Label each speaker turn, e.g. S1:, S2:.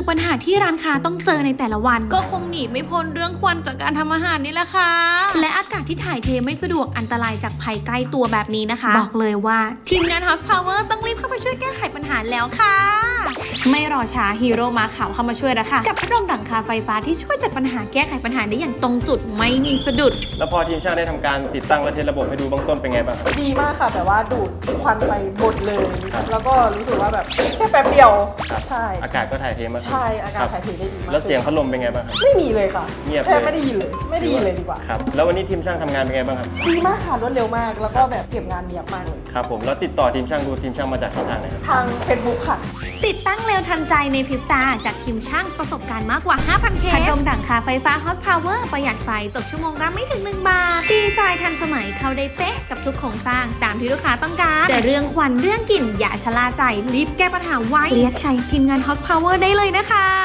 S1: งปัญหาที่ร้านค้าต้องเจอในแต่ละวันก็คงหนีไม่พ้นเรื่องควันจากการทำอาหารนี่แหละค่ะและอากาศที่ถ่ายเทไม่สะดวกอันตรายจากภัยใกล้ตัวแบบนี้นะคะบอกเลยว่าทีมงาน House Power ต้องรีบเข้าไปช่วยแก้ไขปัญหาแล้วค่ะไม่รอช้าฮีโร่มาขาวเข้ามาช่วยแล้วค่ะกับพัดลมหลังคาไฟฟ้าที่ช่วยจัดปัญหาแก้ไขปัญหาได้อย่างตรงจุดไม่มีสะดุด
S2: แล้วพอทีมช่างได้ทำการติดตั้งและเทสระบบให้ดูเบื้องต้นเป็นไงบ้างครับ
S3: ดีมากค่ะแต่ว่าดูดควันไปหมดเลยแล้วก็รู้สึกว่าแบบแค่แป๊บเดียวใช่
S2: อากาศก็ถ่ายเทมาก
S3: ใช่อากาศถ่ายเทได้ดีมาก
S2: แล้วเสียงพัดลมเป็นไงบ้างครับ
S3: ไม่มีเลยค่ะ
S2: เงียบ
S3: แทบไม่ได้ยินเลยดีกว่า
S2: ครับแล้ววันนี้ทีมช่างทำงานเป็นไงบ้างครับ
S3: ดีมากค่ะรวดเร็วมากแล้วก็แบบเก็บงานเนียบมากเลย
S2: ครับผมแล้วติดต่อทีมช่างดูทีมช่างมาจากช่องทางไหนครับ
S3: ทาง Facebook ค่ะ
S1: ติดตั้งเร็วทันใจในพริบตาจากทีมช่างประสบการณ์มากกว่า 5,000 เคสพัดลมหลังคาไฟฟ้า House Power ประหยัดไฟตกชั่วโมงละไม่ถึง1 บาทดีไซน์ทันสมัยเข้าได้เป๊ะกับทุกโครงสร้างตามที่ลูกค้าต้องการจะเรื่องควันเรื่องกลิ่นอย่าชะล่าใจรีบแก้ปัญหาไว้เรียกใช้ทีมงาน House Power ได้เลยนะคะ